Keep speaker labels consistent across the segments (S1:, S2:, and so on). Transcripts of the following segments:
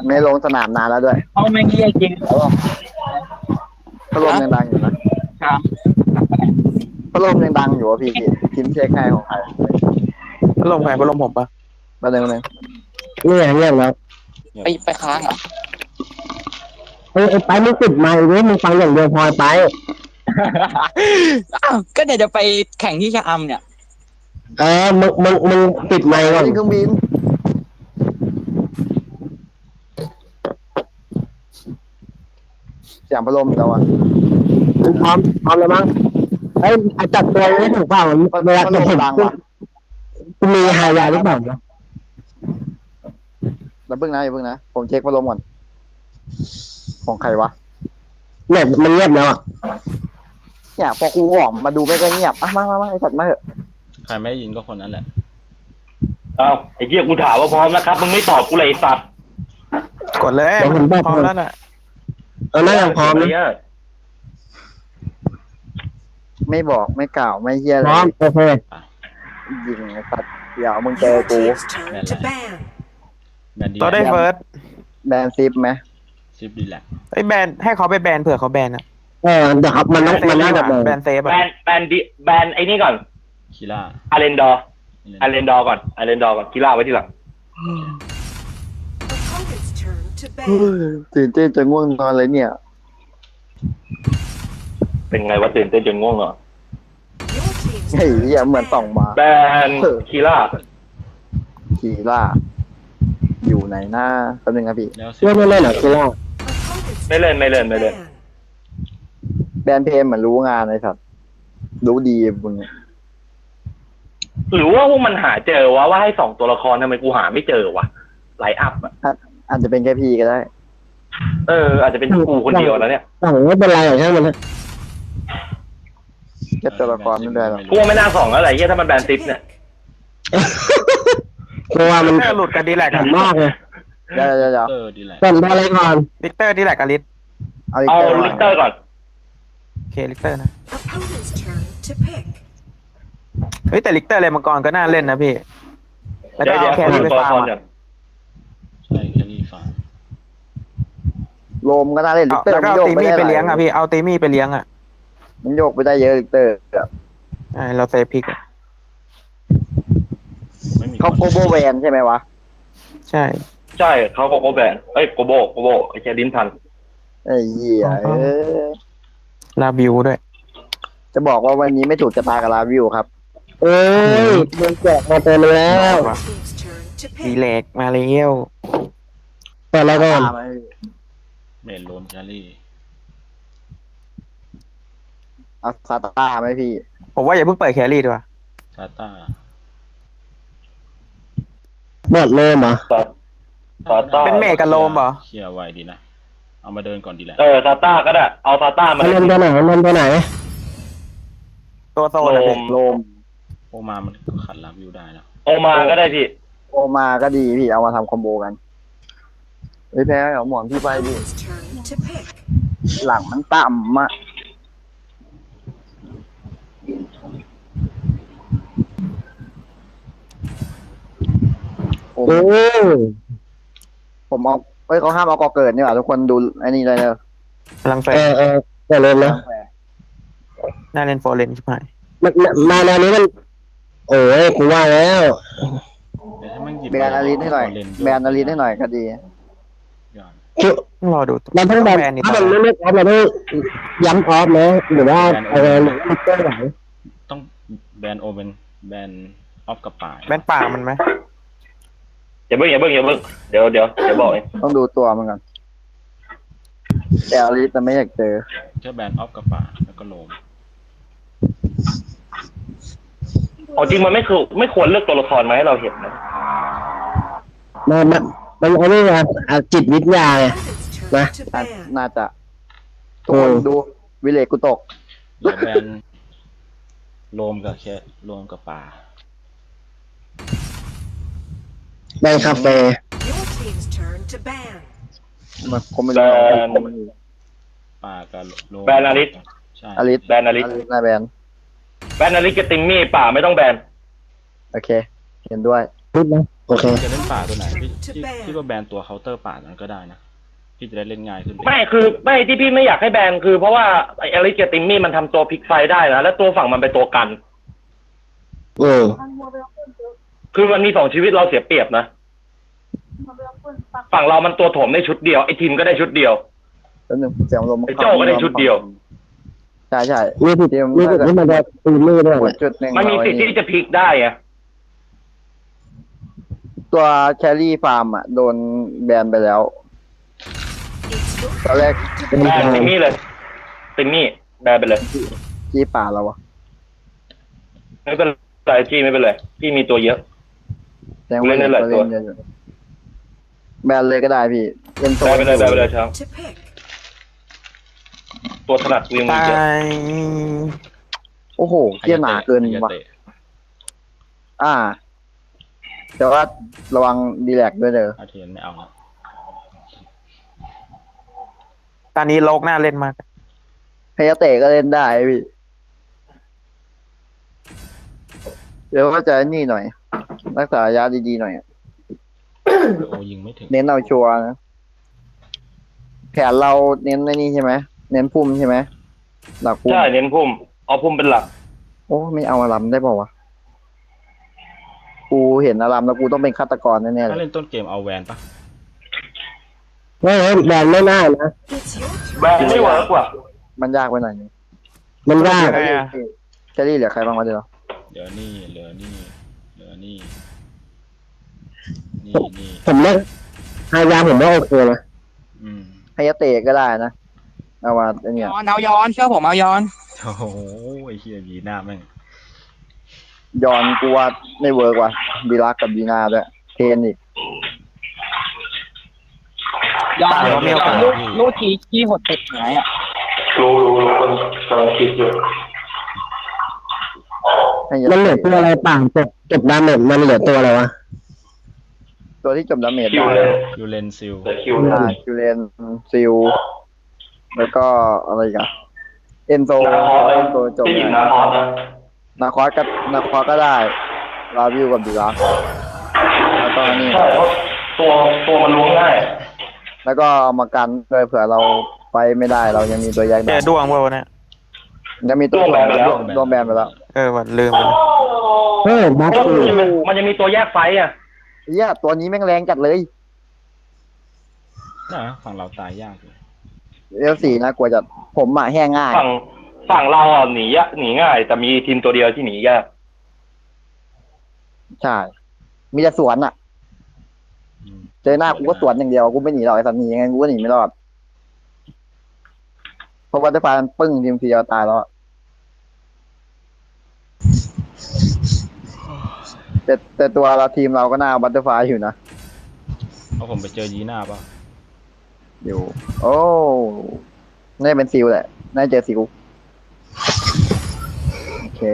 S1: ไม่ลงสนามนานแล้วด้วย
S2: เอาไม่เงี้ยจริง
S1: พัดลมยังดังอยู่นะครับพัดลมยังดังอยู่อ่ะพี่กินเช็คให้ของใคร
S3: พัดลมใครพัดลมผมปะ
S1: ประเด็นนึง
S4: เงียบแล้ว
S2: ไปค้างอ่ะ
S4: ไอ้ไปมึงปิดไมค์เว้ยมึงฟังอย่างเดียวพอไป
S2: อ้าวก็เดี๋ยวจะไปแข่งที่ชะอำเนี่ย
S4: มึงปิดไมค์ก่อน
S1: เครื่องบินเสียงพัดลมเราอ่ะ
S4: มึงพร้อมแล้วมั้งจัดตัวไม่ถูกเปล่าเวลาจะถึงมีหายาหรือเปล่า
S1: แล้วเพิ่งนะผมเช็คพัดลมก่อนของใครวะ
S4: เนี่ยมันเงียบแล้วอ่ะ
S1: เนี่ยพอกูออกมาดูไม่ก็เงียบมาไอ้สัตว์มาเถอะ
S5: ใครไม่ยินก็คนนั้นแหละ
S6: อ้าวไอ้เหี้ยกูถามว่าพร้อมนะครับมึงไม่ตอบกูเลยสัตว์
S3: กดเลยพร้อมแล้วน่ะ
S4: น่าจะพร้อมนะ
S1: ไม่บอกไม่กล่าวไม่เฮียอะไร
S4: พร้อมโอเค
S1: ยิงไอ้สัตว์เดี๋ยวมึงเจอกู
S5: แบนดี
S3: ต่อได้เฟิร์ส
S1: แบนซิปไหม
S5: ซิปดีแหละ
S3: ไอ้แบนให้เขาไปแบนเผื่อเขาแบนอ่ะ
S4: เดี๋ยวครับมันน่าจะ
S3: แบนเซฟ
S6: แบนไอ้นี่ก่อน
S5: คิล่า
S6: อาเรนดอร์ก่อนคิล่าไว้ที่หลัง
S1: ตื่นเต้นจะง่วงนอนเลยเนี่ย
S6: เป็นไงวะตื่นเต้นจนง่วงเหรอ
S1: เฮ้ยเหมือนส่องมา
S6: แบนคีล่า
S1: อยู่ไหนหน้าแป๊บนึงครับพี่
S4: ไม่เล่นเหรอคีล่า
S6: ไม่เล่น
S1: แบนเพลเหมือนรู้งานเลยครับรู้ดีมึง
S6: หรือว่าพวกมันหาเจอว่าให้2ตัวละครทำไมกูหาไม่เจอวะไลน์อัพอ่ะ
S1: อาจจะเป็นแค่พี่ก็ได้
S6: อาจจะเป็นกูคนเดียวแล้วเนี่ย
S4: ไม่เป็นไรหรอกใช่ไหม
S1: แค่ตัวละครไม่ได้หรอก
S6: พวกไม่น่า2แล้วอะไรเงี้ยถ้ามันแบนซิปเนี่ย
S4: เพราะว่ามัน
S3: หลุดกันดีแหละ
S4: กันมากเลย
S1: เดี๋ยว
S4: เป็นอะไรก่อน
S3: ลิกเตอร์ดีแหละกับลิส
S6: เอาลิกเตอร์ก่อน
S3: โอเคลิกเตอร์นะเฮ้ยแต่ลิกเตอร์อะไรมังกรก็น่าเล่นนะพี่แล้วก็เอาแครี่ไปฟาร์ม
S5: ใช่แครี่ฟาร์ม
S1: โลมก็น่าเล่นลิกเตอร์
S3: แล้วก็เอาตีมี่ไปเลี้ยงอ่ะพี่เอาตีมี่ไปเลี้ยงอ่ะ
S1: มันโยกไปได้เยอะลิกเตอร์
S3: เราเซฟพิก
S1: เขาโกโบแวนใช่ไหมวะ
S3: ใช่
S6: เขาโกแบนโกโบไอ้แคดินทัน
S1: ไอ้เหี้ย
S3: ลาบิวด้วย
S1: จะบอกว่าวันนี้ไม่ถูกจะตากับลาวิวครับ
S4: โดนแจกมาเต็มแล้ว
S3: ดีเล็กมาเร็ว
S4: แต่แล้วก็
S5: เมนโลมแครี่
S1: เอาซาตาไหมพี่
S3: ผมว่าอย่าเพิ่งเปิดแครี่ดีกว่า
S5: ซาต้า
S4: หมดเลยเหรอ
S3: เป็นเมกับโลมเหรอ
S5: เคลียร์ไวดีนะเอามาเดินก่อนดีแหละ
S6: ซาต้าก็ได้เอาซาต้ามา
S4: เล่นตัวไหน
S3: ตัวโซน
S1: โลม
S5: โอมามันขัดลาวิวได้แล้ว
S6: โอมาก็ได้พี่
S1: โอมาก็ดีพี่เอามาทำคอมโบกันแพ้เอาหมอนพี่ไปดิหลังมันต่ำอ่ะผมเอาเขาห้ามเอากอเกิดนี่หว่าทุกคนดูไอ้นี่เลยเนอะ
S3: พลังแฟ
S4: แต่เล่นนะ
S3: น่าเล่นโฟร์เลนใช่ไหม
S4: มาแนวนี้มันโอ้ยกูว่าแล้ว
S1: แบนอาริสให้หน่อยก็ดี
S3: รอดู
S4: เราต้องแบนถ้ามันไม่ออฟเราต้องย้ำออฟนะหรือว่าอะไรมันก็ไหว
S5: ต้องแบนโอเป็นแบนออฟกับป่า
S3: แบนป่ามันไหม
S6: อย่าเพิ่งเดี๋ยวบอกเอง
S1: ต้องดูตัวมันก่อนแต่อาริสจะไม่อยากเจอ
S5: แค่แบนออฟกับป่าแล้วก็โลม
S6: จริงมันไม่ควรเลือกตัวละครมาให้เราเห็นนะ
S4: มันเอาเรื่องจิตวิทยาไงนะ
S1: น่าจะทุกคนดูวิเลกุตก
S5: แบนโลมกับแค่โลมกับป่า
S4: แบนคาเฟ่
S1: มาคอมเมนต์
S5: ป่ากับโลม
S6: แบนอาริส
S1: แบนอาริสน่าแบน
S6: อาริสกับติมมี่ป่าไม่ต้องแบน
S1: โอเคเห็นด้วย
S4: พูดนะโอเค
S5: จะเล่นป่าตัวไหนพี่ก็แบนตัวเคาน์เตอร์ป่านั้นก็ได้นะพี่จะได้เล่นง่ายขึ้น
S6: ไม่คือไม่ที่พี่ไม่อยากให้แบนคือเพราะว่าไอริเกติมมี่มันทำตัวพลิกไฟได้นะแล้วตัวฝั่งมันเป็นตัวกัน คือมันมี2 ชีวิตเราเสียเปรียบนะฝั่งเรามันตัวโถมได้ชุดเดียวไอทีมก็ได้ชุดเดียว
S1: แล้วหนึ่งเสียงลม
S6: ไอ้โจ้ก็ได้ชุดเดียว
S1: ใช่ใช่
S4: มีสิทธิ์ที่มันจะตีมือด้วย
S1: หมดจุดหนึ่ง
S6: มันมีสิทธิ์ที่จะพลิกได้อะ
S1: ตัวแครี่ฟาร์มอ่ะโดนแบนไปแล้วตอนแรก
S6: แบนติมมี่เลยติมมี่แบนไปเลย
S1: ที่ป่าเราอะ
S6: ไม่เป็นไรจี้ไม่เป็นไรพี่มีตัวเยอะ
S1: แสดงว่า
S6: เล่นได้หลายตัว
S1: เล่นเยอะอยู่แบนเลยก็ได้พี่เล่นโซ
S6: แบน
S1: น
S6: ไปเลยแบนไปเลยครับตัวถนัดกูยังมี
S3: ตา
S6: เยอะ
S3: ย
S1: โอ้โหเกี้ยหนาเกินว่ะแต่ว่าระวังดีแลกด้วยเด้อ
S5: อาเทียนไม่เอาครับ
S3: ตอนนี้โลกน่าเล่นมาก
S1: ไฮยาเตะก็เล่นได้พี่เดี๋ยวก็จะนี่หน่อย รักษาระยะดีๆหน่อย
S5: โอ้ยิงไม่ถึง
S1: เน้นเอาชัวร์นะแผนเราเน้นในนี่ใช่ไหมเน้นพุ่มใช่ไหมหลักพุ่ม
S6: ใช่เน้นพุ่มเอาพุ่มเป็นหลัก
S1: โอ้ไม่เอาอารมได้เปล่าวะกูเห็นอารมแล้วกูต้องเป็นฆาตกรแน่ๆเล
S5: ถ้าย เล่นต้นเกมเอาแวนปะ
S4: ไม่แบนไม่น่านะ
S6: แบนไม่เวิร์กว่ะ
S1: มันยากไปหน่อยนึง
S4: มันยาก
S1: แครี่เหลือใครบ้างวะเดี๋ยว
S5: เหลือนี่นี่
S4: ผมเล่นฮายาผมว่าโอเคนะ
S5: อืม
S1: ไฮยาเตะก็ได้นะเอาว่าไอ้เนี่ย
S2: เอาย้อนเชื่อผมเอาย้อน
S5: โอ้โหไอ้เฮียยีหน้าแม่ง
S1: ยอนกูว่าไม่เวิร์กว่ะดีลักกับดีนาด้วยเทนอีก
S2: ย้อนลูกทีขี้หดติดหายอ่ะ
S6: รู้คนกำลังคิดอยู่
S1: ให้ยา
S4: มันเหลือ
S1: เตะ
S4: ตัวอะไรป่างจบดาเมจมันเหลือตัวอะไรวะ
S1: ตัวที่จบดาเมจ
S6: คิว
S1: ได้
S6: เลย
S5: ยูเลนซิล
S6: แต่คิว
S1: คิวเลนซิลแล้วก็อะไรอีกันเอนโซ
S6: นาคอส
S1: เอนโซจบ
S6: ที่หยิบนาคอสนะ
S1: นาคอสก็ได้ลาวิวกับดีลักแล้วก็นี่
S6: ใช่เพราะตัวมันล้วงง่าย
S1: แล้วก็เอามากันเลยเผื่อเราไปไม่ได้เรายังมีตัวแยก
S3: แก
S1: ได้
S3: ดวงเปล่าวะเนี่ย
S1: ยังมีตัวรวมแบนไปแล้ว
S3: วันลืมไปเลย
S4: เฮ้ยบัฟ
S6: เพราะมันจะมีตัวแยกไฟอ่ะ
S1: เหี้ยตัวนี้แม่งแรงจัดเลย
S5: น่ะฝั่งเราตายยากเลย
S1: L4 นะกลัวจะผมอ่ะแห้งง่าย
S6: ฝั่งเราอ่ะหนีง่าย แต่มีทีมตัวเดียวที่หนียาก
S1: ใช่ มีแต่สวนอ่ะ
S5: อืม
S1: เจอหน้ากูก็สวนอย่างเดียวกูไม่หนีหรอกไอ้สัตว์หนียังไงกูก็หนีไม่รอดเพราะว่าได้พามันปึ้งทีมทีเดียวตายแล้วอะแต่ตัวเราทีมเราก็น่าบัตเตอร์ไฟอยู่นะ
S5: เอาผมไปเจอยีหน้าปะ
S1: อยู่ โอ้น่าจะเป็นซิลแหละน่าจะเจอซิลโอเค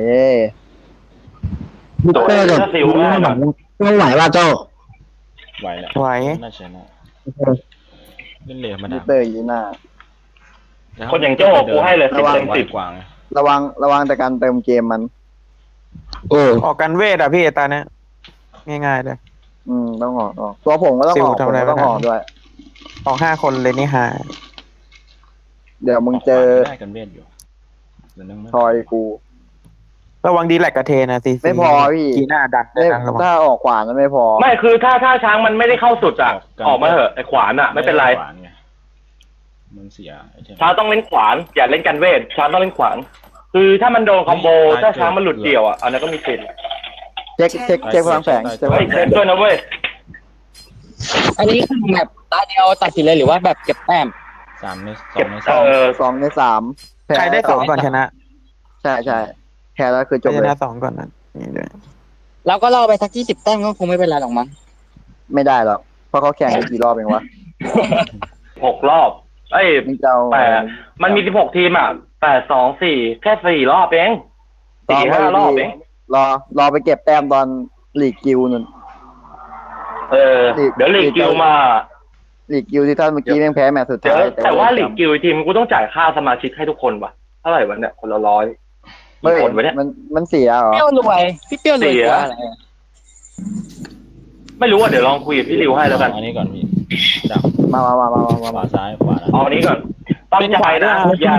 S4: มิเตอร์กับต้องไหวว่าเจ้า
S5: ไหวแหละ
S3: ไหว
S5: น่าชนะเล่นเหลี่ยมมา
S1: มิ
S5: ดา
S1: เตอร์ยีน่า
S6: คนอย่างโจ้กูให้เลย
S1: ระวัง
S6: 10/10
S5: กว่าไง
S1: ระวังแต่การเติมเกมมัน
S3: ออกกันเวทอ่ะพี่ตาเนี้ยง่ายๆเลย
S1: ต้องออกตัวผมก็ต้องออก
S3: ซิลทำ
S1: ผม
S3: อะไร
S1: ก็ต้อง
S3: ไม่ได้
S1: ออกด้วย
S3: ออก5 คนเลยนี่ฮะ
S1: เดี๋ยวมึงเจอ
S5: ได้กันเวทอยู่เดี๋ยวนึงไม่
S1: ทอยกู
S3: ระวังดีแลกกระเทนะซี
S1: ไม่พอพี่
S3: กีหน้าดักได้
S1: ไม่
S3: นะระวัง
S1: ถ้าออกขวานั้นไม่พอ
S6: ไม่คือถ้าช้างมันไม่ได้เข้าสุดอ่ะออกมาเถอะไอ้ขวานอ่ะไม่เป็นไร
S5: ขวานไงมันเสียไอเทม
S6: ช้างต้องเล่นขวานอย่าเล่นกันเวทช้างต้องเล่นขวานคือถ้ามันโดนคอมโบถ้าช้างมันหลุดเดี่ยวอ่ะอันนั้นก็มีสิทธิ์
S1: เช็คพลังแฝงใช่ไหม
S6: เฮ้ยเซฟด้วยนะเว้ย
S2: อันนี้คือแบบตาเดียวตัดสินเลยหรือว่าแบบเก็บแต้ม
S5: 3 ใน
S6: เก็บ
S5: 2 ใน
S1: 2 ใน 3
S3: ใครได้2ก่อนชนะ
S1: ใช่แพ้แล้วคือจบ
S3: ช
S1: เลย
S3: นะ2ก่อนนั้นนี่เลย
S2: แล้วก็ล่อไปสัก20 แต้มก็คงไม่เป็นไรหรอกมั้ง
S1: ไม่ได้หรอกเพราะเขาแข่งกันกี่รอบเองวะ
S6: 6 รอบเอ้ย
S1: มึงจะเอา
S6: มันมี16 ทีมอ่ะ8 2 4แค่4 รอบเอง4-5 รอบเอง
S1: รอไปเก็บแต้มตอนลีกกิลนั่น
S6: เดี๋ยวลีกกิวมา
S1: ลีกกิลที่ท่านเมื่อกี้แม่งแพ้แมตช์สุด
S6: เดี๋ยว
S1: ท้าย
S6: แต่ว่าลีกกิวทีมกูต้องจ่ายค่าสมาชิกให้ทุกคนวะเท่าไหร่วะเนี่ยคนละ100
S1: เฮ้ย
S6: คนวะเนี่ย
S1: มันเสียเหรอ
S2: เปรี้ยวรวยพี่เปรี้ยวรวยกว่าอะไร
S6: ไม่รู้ว่าเดี๋ยวลองคุยกับพี่ริวให้แล้วกัน
S5: อันนี้ก่อนพี่ดัก
S1: มา
S5: ขวาซ้ายขวานะ
S6: เอาอันนี้ก่อนตั้งใจนะ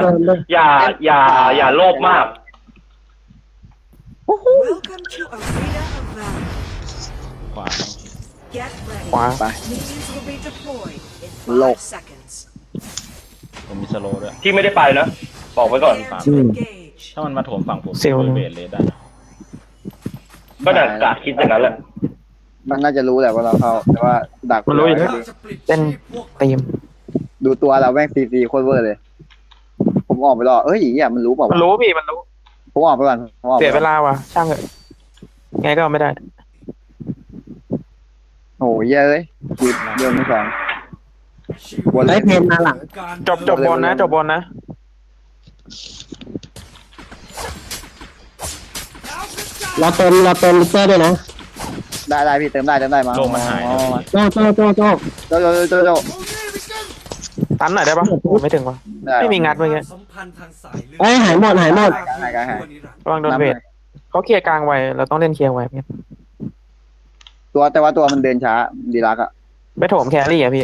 S6: อย่าโลภมาก
S7: Welcome to Arena of Valor.
S5: ขวา
S7: Get ready.
S3: ขวา
S1: ไป
S7: Minions will be deployed in
S1: Low.
S7: 5 seconds.
S5: ผมมีสโลว์ด้วย
S6: ที่ไม่ได้ไปนะบอกไว้ก่อน
S7: Prepare to engage.
S5: ถ้ามันมาโถมฝั่งผม
S3: เซลล์
S5: เบสเลยได้
S6: ก็ดักกะคิดอย่างนั้นแหละ
S1: มันน่าจะรู้แหละว่าเราเข้าแต่ว่าดัก
S3: มันรู้อยู่แล้วเต้นตีม
S1: ดูตัวเราแม่งซีโคตรเวอร์เลย ผมออกไปรอเอ้ยอย่างเงี้ยมันรู้เปล่า
S3: มัน
S1: วะ
S3: รู้พี่มันรู้
S1: ผมออกไปก่อนผมออกไป
S3: เสีย
S1: ก่
S3: เว
S1: อน
S3: ลาว่ะช่างเถอะไงก็ไม่ได้
S1: โอ้ยเยอะเลยจีบเดินไม่สองบนเล
S4: ไอ้
S1: ย
S4: เพนมาหลัง
S3: จบบนนะจบบนนะ
S4: เราเติมลิเตอร์ด้วยนะ
S1: ได้พี่เติมได้มา
S5: โลมันหายนะพี่
S4: โจ้
S1: โจ
S3: ตันหน่อยได้ปะโอ้ไม่ถึงวะไม่มีงัดเมื่อกี้
S4: เอ้ยหายหมด
S1: หาย
S3: ระวังโดนเวทเขาเคลียร์กลางไว้เราต้องเล่นเคลียร์ไว้พี่
S1: ตัวแต่ว่าตัวมันเดินช้าดีรักอะ
S3: ไปโถมแครี่อะพี่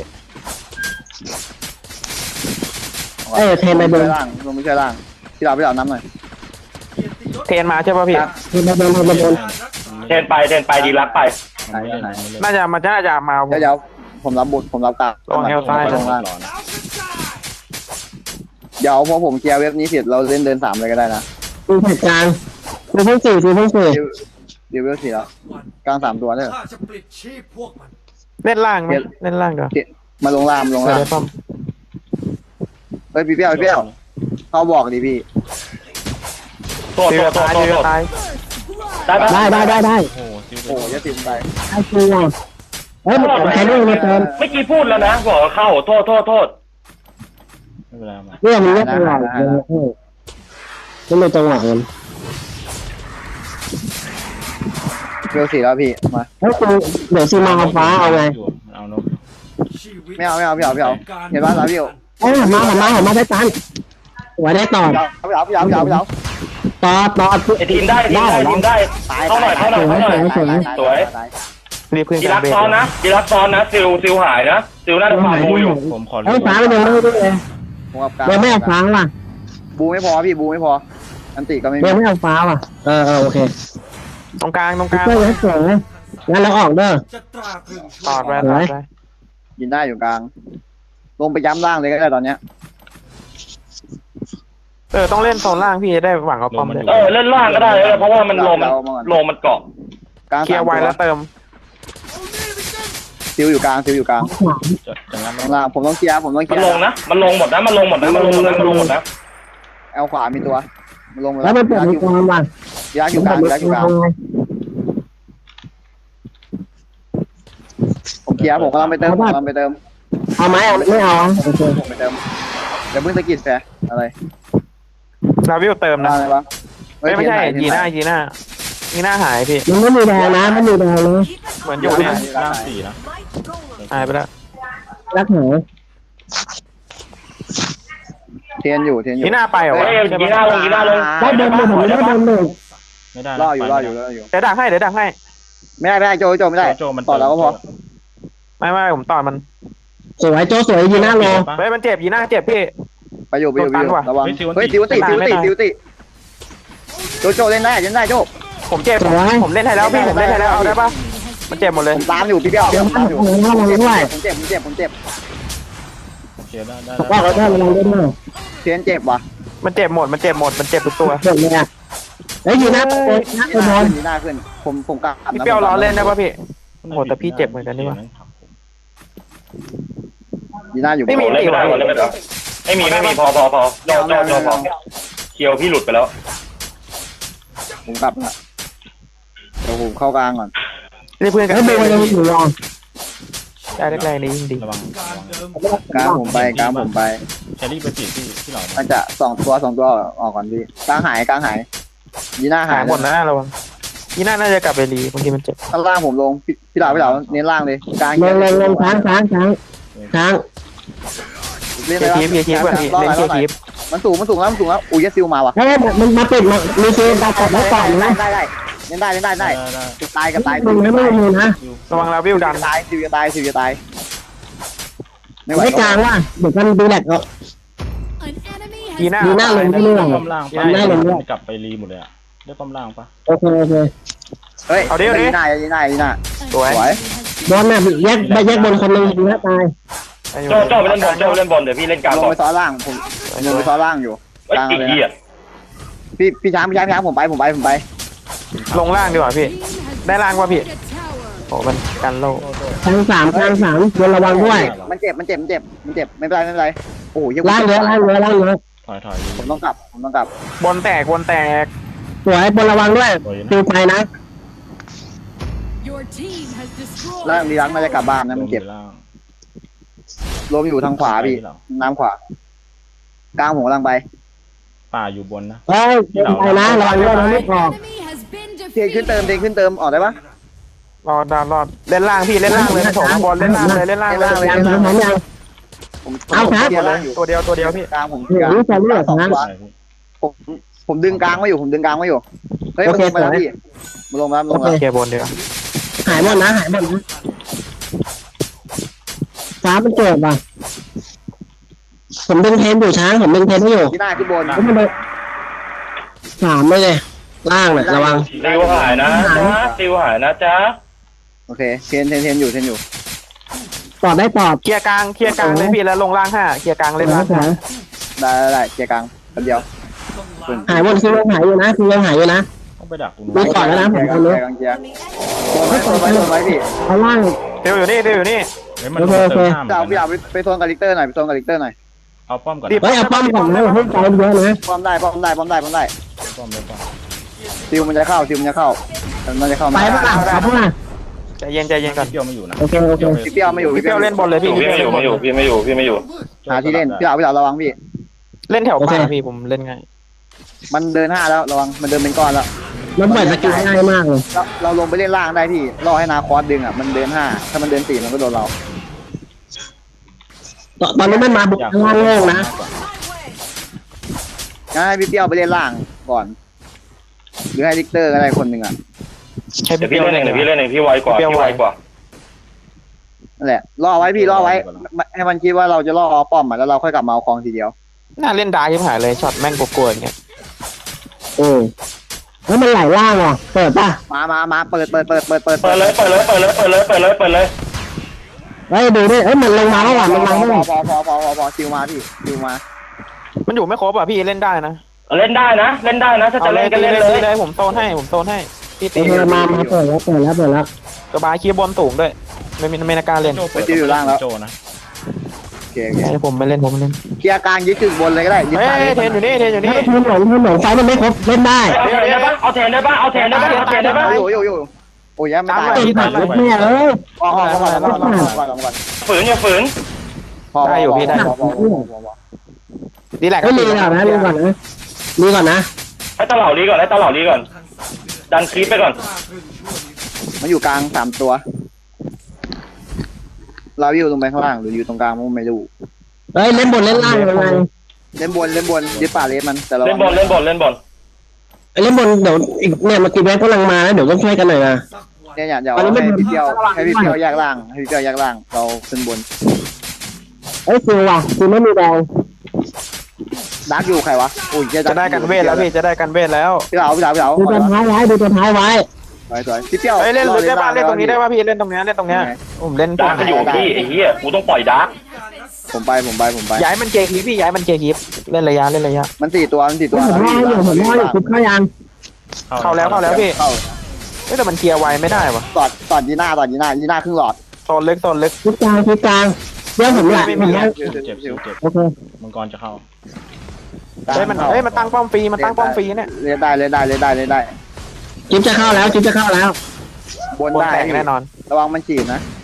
S4: เอ้ยเทนไปบน
S1: ล่างลงไม่ใช่ล่างพี่เราน้ำหน่อย
S3: เทรนมาใช่ปะพี่
S4: เทนไปบน
S6: เทนไปดีรักไป
S5: ผมไม่เล่นผมไม่เล่น
S3: น่าจะมา
S1: เดี๋ยวผมรับบทผมรับกลาง
S3: ระวังเอลซ้าย
S1: ลงล่าง
S5: รอนะ
S1: เดี๋ยวพอผมเคลียร์เว็บนี้เสร็จเราเล่นเดิน3เลยก็ได้นะ
S4: ดูเหตุการณ์ดูเพิ่งสี่
S1: เดี๋ยวเว็บ4แล้วกลาง3ตัวเนี่ย
S8: ข้าจะปลิดชีพพวกมัน
S3: เล่นล่างไหมเล่นล่างเดี๋ยว
S1: มาลงล่าง
S3: เดี๋ยวได้ป้อม
S1: เฮ้ยพี่เปี้ยวเขาบอกดิพี่
S6: โทษ
S3: ตีตายตีตาย
S6: ได้ปะ
S4: ได้
S5: โอ้โหซิล
S1: โอ้ยจะติดไป
S4: ไอ้ตัวเฮ้ยมันแค่นี้มาเติม
S6: เมื่อกี้พูดแล้วนะบอกว่าเข้าโทษ
S5: ไม่เป็นไรมา
S4: เนี่ยมันไม่จังหวะเลยไม่เป็นจังหวะมัน
S1: เว็บ4แล้วพี่มา
S4: เฮ้ยกูเดี๋ยวซีมาเอาฟ้าเอาไง
S5: อยู่เอานก
S8: ชีวิต
S1: ไม่เอาพี่เห็นป่ะพี่
S4: เอ้ยมาได้ตันหัวได้ต่อ
S1: พี่เอา
S4: ต่อ
S6: ไอทีมได้เข้าหน่อย
S3: รีบขึ้น
S6: ดี
S3: ก
S6: รั
S3: ลาง
S6: ก
S3: เบส
S6: ซ้อนนะซิลหายนะซิลน่าจะฟาร์มอยู่
S5: ผมขอ
S4: เฮ้ยฟ้ามันยังไม่ได้เลย
S1: ผมกับกลาง
S4: ยังไม่เอาฟ้าว่ะ
S1: บูไม่พอพี่บูไม่พออันติก็ไม่มี
S4: ยังไม่เอาฟ้าว่ะโอเค
S3: ตรงกลาง
S4: เจ้าให้สวยงั้นเราออกเด้อ
S8: จะตราตรึง
S3: ตอดไป
S1: ยินได้อยู่กลางลงไปย้ำล่างเลยก็ได้ตอนเนี้ย
S3: ต้องเล่นโซนล่างพี่จะได้หวังเอาป้อมเลย
S6: เล่นล่างก็ได้เพราะว่ามันโลมันเกาะ
S1: กลาง
S3: เคลียร์ไว้แล้วเติม
S1: ซิวอยู่กลาง
S5: จะงั้น
S1: ข้างล่างผมต้องเคลียร์
S6: มันลงนะมันลงหมดนะ
S1: แอลขวามีตัวมันลง
S4: แล้วมันเปิดมีความว่ะ
S1: ยักอยู่กลางผมเคลียร์ผมกำลังไปเติม
S4: เอาไหมไม่เอาโอเค
S1: ผมไปเติมเดี๋ยวเพิ่งสกิดแฟอะไร
S3: ลาวิวเติมนะ
S1: อะไรวะ
S3: ไม่ใช่ยีน่าหายพี่
S4: มันไม่มีแดงนะไม่มีแดงเลย
S3: เหมือนอยู่เนี่ย
S5: ล่างสี่นะ
S3: หายไปแล้ว
S4: รักหนู
S1: เทียนอยู่
S3: ยีน่าไปเหรอวะ
S6: ยีน่าลง
S4: ได้เดินหนึ่งได้เดินหนึ่ง
S5: ไม่ได้
S1: รออยู่
S3: เดี๋ยวดักให้
S1: ไม่ได้โจไม่ได้
S5: โจมัน
S1: ต่อแล้วก็พอ
S3: ไม่ผมต่อมัน
S4: สวยโจสวยยีน่าโล
S3: เฮ้ยมันเจ็บยีน่าเจ็บพี่
S1: ไปอยู่ระวังเฮ้ยติวติโจเล่นได้โจ
S3: ผมเจ็บผมเล่นให้แล้วพี่ผมเล่นให้แล้วเอาได้ปะมันเจ็บหมดเลย
S1: ผมตามอยู่พี่เปี้ยว
S4: เดี๋ยว
S1: ตามอยู่
S4: ถ้าเราด้วย
S1: ผมเจ็บ
S5: โอเคได้
S4: ว่าเราได้เราได้ด้วย
S1: เทียนเจ็บว่ะ
S3: มันเจ็บหมดทุกตัว
S4: เจ็บเลยอ่ะแล้วยีน่าไปบอล
S1: หน้าขึ้นผมกลับ
S3: พี่เปียวรอเล่นได้ปะพี่โหแต่พี่เจ็บเหมือนกันนี่วะ
S1: ยีน่าอยู่
S6: ไม่มีพอโจพอเคียวพี่หลุดไปแล้ว
S1: ผมกลับละเดี๋ยวผมเข้ากลางก่อน
S3: นี่เพื่อนกัน
S4: แล้วเบลยังอยู่รอ
S3: ได้แรกๆนี้ยิ่งดี
S5: ระวัง
S1: กลางผมไป
S5: แครี่ไปปิดที่เรา
S1: มันจะ2 ตัวออกก่อนพี่กลางหายยีน่า
S3: หายหมดนะระวังยีน่าน่าจะกลับไปรีบางทีมันเจ็บ
S1: ข้างล่างผมลงพี่เหล่าเน้นล่างเลยกลาง
S4: ลงช้าง
S1: เล่น
S3: เคลียร์คีฟก่อนพี่เล่นเคลียร์คีฟ
S1: มันสูงแล้วอุ้ยซิลมาว่ะ
S4: เฮ้ยมันมาปิดมันมีเซนตาตัดแล้วก่อนนะ
S1: ได้เล่นได้เล่นได้ได้
S5: ได้
S1: กับตายกับตาย
S4: ลงไม่ลงนะ
S3: ระวังลาวิวดัน
S1: ตายซิวจะตายซิวจะตายไม่ไหว
S4: ไม่กลางว่ะเดี๋ยวกันดูแลกก็
S3: กีหน้า
S4: ดีหน้าลงไม่เรื่อง
S5: ป้อมล่าง
S4: ดีหน้าลงด้วย
S5: กลับไปรีหมดเลยอะได้ป้อมล่างปะ
S4: โอเคโอเค
S1: เฮ้ยยีน่ายีน่ายีน่า
S3: สวย
S1: สวย
S4: บอลน่ะแยกไปแยกบนคนนึงดีนะตาย
S6: โจ้ไปเล่นบอลโจ้เล่นบอลเดี๋ยวพี่เล่นกลาง
S1: ลง
S6: ก่อน
S1: ไปซ้อนล่างผมลงไปซ้อนล่างอยู่
S6: ไอ้ยอีกทีอ่ะ
S1: พี่ช้างผมไป
S3: ลงล่างดีกว่าพี่ได้ล่างป่ะพี่โอ้มันกันโล
S4: ทางสามบนระวังด้วย
S1: มันเจ็บไม่เป็นไรโอ้ย
S4: ล่างเยอะ
S5: ถอย
S1: ผมต้องกลับบ
S3: อลแตก
S4: สวยบนระวังด้วยตีไปนะ
S1: ล่างดีรักน่าจะกลับบ้านนะมันเจ็บ
S5: ล่าง
S1: ลมอยู่ทางขวาพี่น้ำขวา กลางผมกำลังไป
S5: ป่าอยู่บนนะ
S4: เฮ้ยไปนะระวังด้วยนะไม่ออก
S1: เทขึ้นเติมออกได้ปะ
S3: รอเล่นล่างพี่เล่นล่างเลยโถบอลเล่นล่างเลย
S4: ยังเอาครับ
S3: ตัวเดียวพี่
S1: กลางผม
S4: เดี๋ยวนี้จะเลือกนะ
S5: ใช่พี่
S1: ผมดึงกลางไว้อยู่เฮ้ยมันลงไปแล้วพี่มันลงแล้ว
S3: เคลียร์บนเดียว
S4: หายหมดนะฟ้ามันเกิดว่ะผมดึงเทนอยู่ช้างผมดึงเทนไม่อยู่
S1: ที่หน้าขึ้นบน
S4: แล้วมันเลยสามไม่เลยล่างเลยระวัง
S6: ติวหายนะจ๊ะ
S1: โอเคเทนอยู่
S4: ตอบได้ตอบ
S3: เคลียร์กลางเลยพี่แล้วลงล่าง5เคลียร์กลางเล่นล่าง
S1: ได้เกียร์กลางคนเดียว
S4: หายหมดคือยังหายอยู่นะ
S5: ต้องไปดักตรง
S4: มี
S5: นู้น
S4: ก่อนแล้วนะผมคนนี้
S1: เกียร์โดนไว้พี่
S4: เอาล่าง
S3: เดี๋ยวอยู่นี่
S5: เฮ้ยมันเติมห้าม
S1: พี่เอาไปโซนกับลิกเตอร์หน่อย
S5: เอาป้อมก่อน
S4: เฮ้ยเอาป้อมก่อนนะให้ใจเยอะนะ
S1: ป้อมได้
S5: ป้อมเลยป้อม
S1: ซิวมันจะเข้ามันจะเข้า
S4: ไปป่ะเอาป่ะ
S3: ใจเย็นก่อน
S5: เกี่ยวไม่อยู่นะ
S4: โอเค
S1: พี่เปียวไม่อยู่
S3: พี่เปียวเล่นบอลเลยพี่
S6: พี่ไม่อยู่
S1: หาที่เล่นพี่เอาระวังพี่
S3: เล่นแถวป่าพี่ผมเล่นไง
S1: มันเดิน5แล้วระวังมันเดินเป็นก้อนแล้ว
S4: มันปล่อยสกิลง่ายมากเลย
S1: เราลงไปเล่นล่างได้พี่รอให้นาคอสดึงอ่ะมันเดิน5ถ้ามันเดิน4มันก็โดนเรา
S4: ตอนนี้มันมาบุกล่างโล่งนะ
S1: งั้นให้พี่เปียวไปเล่นล่างก่อนหรือให้ลิกเตอร์ก็ได้คนหนึ่งอ่ะ
S3: ใช่
S6: เดี๋ยว
S3: พี่
S6: พี่
S3: เปียว
S6: เล่น
S3: เล่น
S6: เองเดี๋ยวพี่เล่นเองพี่ไวกว่า
S1: นั่นแหละรอไว้พี่รอไว้ให้มันคิดว่าเราจะรอป้อมอ่ะแล้วเราค่อยกลับมาเอาคลองทีเดียว
S3: น่าเล่นดาร์กหายเลยช็อตแม่งกลัวๆอย่างเงี้ย
S4: แล้วมันไหลล่างอ่ะเปิดป่ะ
S1: มาเปิด
S6: เปิดเลย
S4: เฮ้ยดูดิมันลงมาแล้วว่ะมันลงมาแล้ว
S1: พอซิวมาพี่ซิวมา
S3: มันอยู่ไม่ครบอ่ะพี่เล่นได้นะ
S6: เล่นได้นะถ้าจะเล่นก็เล่นเลย
S3: ผมโซนให้พี่ตี
S4: มาเปิดแล้ว
S3: กระบายคีบบอลสูงด้วยไม่น่ากล้าเล่น
S5: โจนะ
S1: โอเค
S3: ผมไม่เล่น
S1: เคลียร์กลางยึดจุดบนเลยก็ได้ยึด
S3: เฮ้
S1: ซ้าย
S3: ยเทนอยู่นี่
S4: ถ้าทีมหลงไฟมันไม่ครบเล่นได้
S6: เอาแทนได้ปะ
S1: อยู่โอ้ยไม่ตาย
S4: ตีผัดแม่เอ้ย
S1: พอก่อน
S6: ฝืนอย่าฝืน
S1: พอ
S3: ดีแหละ
S4: ไม่รีก่อนนะรีก่อนนะ
S6: ให้ตลาดลีก่อนดันคลิปไปก่อน
S1: มันอยู่กลาง3ตัวเราอยู่ตรงไปข้างล่างหรืออยู่ตรงกลางมันไม่รู้
S4: เฮ้ยเล่นบนเล่นล่างยังไง
S1: เล่นบนยึดป่าเลสมันแต่เรา
S6: เล่นบอล
S4: เล่นบนเดี๋ยวอีกเนี่ยมากี่แม่กำลังมาแล้วเดี๋ยวต้องช่วยกันหน่อยนะ
S1: เนี่ยอย่าให้พี่เปียวแยกล่างเราขึ้นบน
S4: เอ้ยซิวว่ะซิวไม่มีแดง
S1: ดักอยู่ใครวะอุ้ย
S3: จะได้กันเวทแล้วพี่จะได้กันเวทแล้ว
S1: พี่เหลา
S4: ดูตัวท้ายไว้
S1: สวยพี่เปียว
S3: เล่นได้ป่ะเล่นตรงนี้ได้ป่ะพี่เล่นตรงนี้ผมเล่น
S6: ดาร์กอยู่พี่ไอ้เหี้ยกูต้องปล่อยดาร์ก
S1: ผมไป
S3: ย้ายมันเจคีพี่ย้ายมันเจคีเล่นระยะ
S1: มัน4ตัว
S4: ผมว่าอยู่คุบเข้ายัง
S3: เข้าแล้วพี่แต่มันเคลียร์ไวไม่ได้วะ
S1: ตอดยีน่าครึ่งหลอด
S3: โซนลึก
S4: คุบกลางเรื่องผมแหละ
S5: เจ็บ
S4: โอเค
S5: มังกรจะเข้า
S3: มันตั้งป้อมฟรีเนี่ย
S1: เล่นได้
S4: จิ๊บจะเข้าแล้ว
S1: บน
S3: บน
S1: ได้
S3: แตกแน่นอน
S1: ระวังมันฉีดนะ